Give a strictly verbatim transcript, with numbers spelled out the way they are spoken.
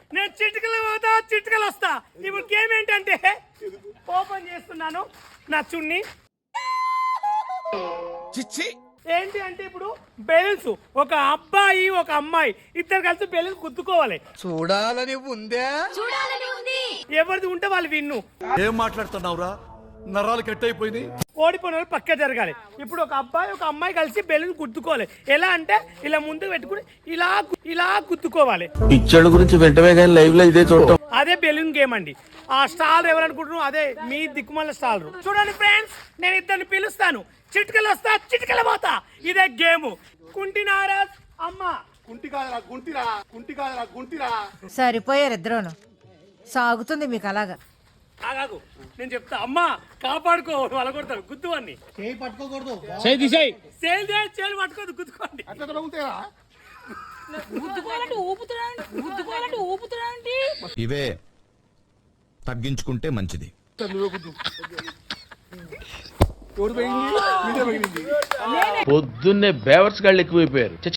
నేను చిటికలు పోతా చిటికలు వస్తా. ఇప్పుడు గేమ్ ఏంటంటే ఓపెన్ చేస్తున్నాను నా చున్ని. చిచ్చి ఏంటి అంటే ఇప్పుడు బెలూన్స్, ఒక అబ్బాయి ఒక అమ్మాయి ఇద్దరు కలిసి బెలూన్స్ గుద్దుకోవాలి. చూడాలని ఉందే, చూడాలని ఉంది. ఎవరిది ఉంటే వాళ్ళు విన్ను. ఏం మాట్లాడుతున్నావురా? నరాలు కట్ అయిపోయినాయి. ఓడిపోయిన వాళ్ళు పక్క జరగాలి. ఇప్పుడు ఒక అబ్బాయి ఒక అమ్మాయి కలిసి బెలూన్ గుద్దుకోవాలి. ఎలా అంటే ఇలా ముందుకు పెట్టుకుని ఇలా ఇలా గుద్దుకోవాలి. పిక్చర్ గురించి వెంటనే కానీ లైవ్ లో ఇదే చూడటం. అదే బెలూన్ గేమ్ అండి. ఆ స్టార్ ఎవరనుకుంటున్నారు, అదే మీ దిక్కుమల్ల స్టార్. చూడండి ఫ్రెండ్స్, నేను ఇద్దరిని పిలుస్తాను. చిటికలు వస్తా చిటికలు పోతా. ఇదే గేమ్. కుంటి నారాజ్ అమ్మ. కుంటి కాదరా గుంటిరా, కుంటి కాదరా గుంటిరా. సరిపోయారు ఇద్దరును. సాగుతుంది మీకు అలాగా. ఆగాగు, నేను చెప్తా. అమ్మ కాపాడుకో, వాళ్ళ కొడతారు గుద్దువన్నీ. చేయి పట్టుకోకూడదు. సేల్ చేయాలి పట్టుకోదు, గుద్దుకోండి. అట్లా తొలగుతాయా? గుద్దుకోవాలంటే ఊపుతున్నాడు, గుద్దుకోవాలంటే ఊపుతున్నాడు. ఇవే తగ్గించుకుంటే మంచిది. నువ్వే గుద్దు. ఎవరు పోయింది? మీరే పోయింది. పొద్దున్నే బేవర్స్ గాళ్ళు ఎక్కువైపోయారు.